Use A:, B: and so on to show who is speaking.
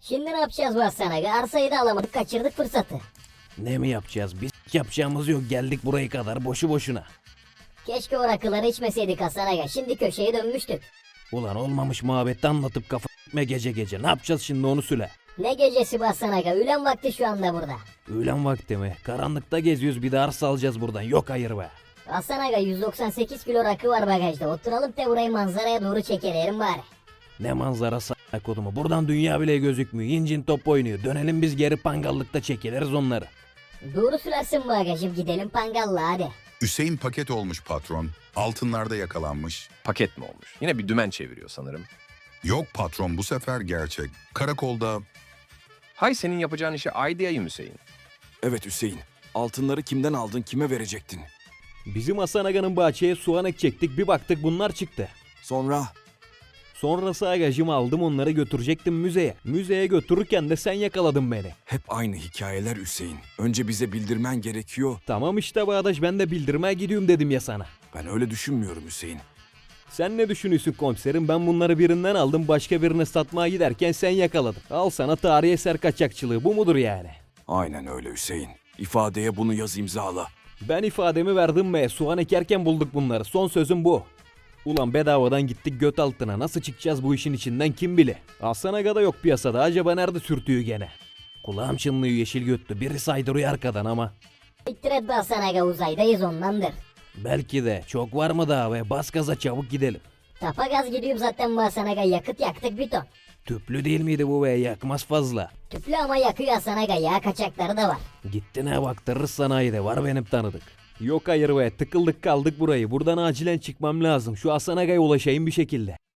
A: Şimdi ne yapacağız bu Hasan Aga? Arsayı da alamadık, kaçırdık fırsatı.
B: Ne mi yapacağız? Biz yapacağımız yok, geldik buraya kadar boşu boşuna.
A: Keşke o rakıları içmeseydik Hasan Aga. Şimdi köşeye dönmüştük.
B: Ulan olmamış muhabbeti anlatıp kafa gitme gece gece. Ne yapacağız şimdi onu söyle.
A: Ne gecesi bu Hasan Aga? Öğlen vakti şu anda burada.
B: Öğlen vakti mi? Karanlıkta geziyoruz, bir de arsa alacağız buradan. Yok hayır be.
A: Hasan Aga 198 kilo rakı var bagajda. Oturalım da burayı manzaraya doğru çekelim bari.
B: Ne manzarası kodumu. Buradan dünya bile gözükmüyor. İncin top oynuyor. Dönelim biz geri pangallıkta çekiliriz onları.
A: Doğru sürersin bagajım, gidelim Pangal'la hadi.
C: Hüseyin paket olmuş patron. Altınlarda yakalanmış.
D: Paket mi olmuş? Yine bir dümen çeviriyor sanırım.
C: Yok patron, bu sefer gerçek. Karakolda
D: Hay senin yapacağın işe ay diyeyim Hüseyin.
E: Evet Hüseyin. Altınları kimden aldın, kime verecektin?
B: Bizim Hasan Aga'nın bahçeye soğan ekecektik. Bir baktık bunlar çıktı.
E: Sonra
B: Sonrası agacımı aldım, onları götürecektim müzeye. Müzeye götürürken de sen yakaladın beni.
E: hep aynı hikayeler Hüseyin. Önce bize bildirmen gerekiyor.
B: Tamam işte Bağdaş, ben de bildirmeye gidiyorum dedim ya sana.
E: Ben öyle düşünmüyorum Hüseyin.
B: Sen ne düşünüyorsun komiserim? Ben bunları birinden aldım, başka birine satmaya giderken sen yakaladın. Al sana tarihi eser kaçakçılığı, bu mudur yani?
E: Aynen öyle Hüseyin. İfadeye bunu yaz, imzala.
B: Ben ifademi verdim be, soğan ekerken bulduk bunları, son sözüm bu. Ulan bedavadan gittik göt altına, nasıl çıkacağız bu işin içinden kim bilir? Hasan Aga da yok piyasada, acaba nerede sürtüyor gene? Kulağım çınlıyor yeşil götlü, biri saydırıyor arkadan ama.
A: Siktir et be Hasan Aga, uzaydayız ondandır.
B: Belki de çok var mı daha be, bas gaza çabuk gidelim.
A: Tapa gaz gidiyorum zaten bu Hasan Aga, yakıt yaktık bir ton.
B: Tüplü değil miydi bu be, yakmaz fazla.
A: Tüplü ama yakıyor Hasan Aga, yağ kaçakları da var.
B: Gitti ne baktırırız sanayide, var benim tanıdık. Yok hayır be, tıkıldık kaldık burayı, buradan acilen çıkmam lazım, şu Hasan Aga'ya ulaşayım bir şekilde.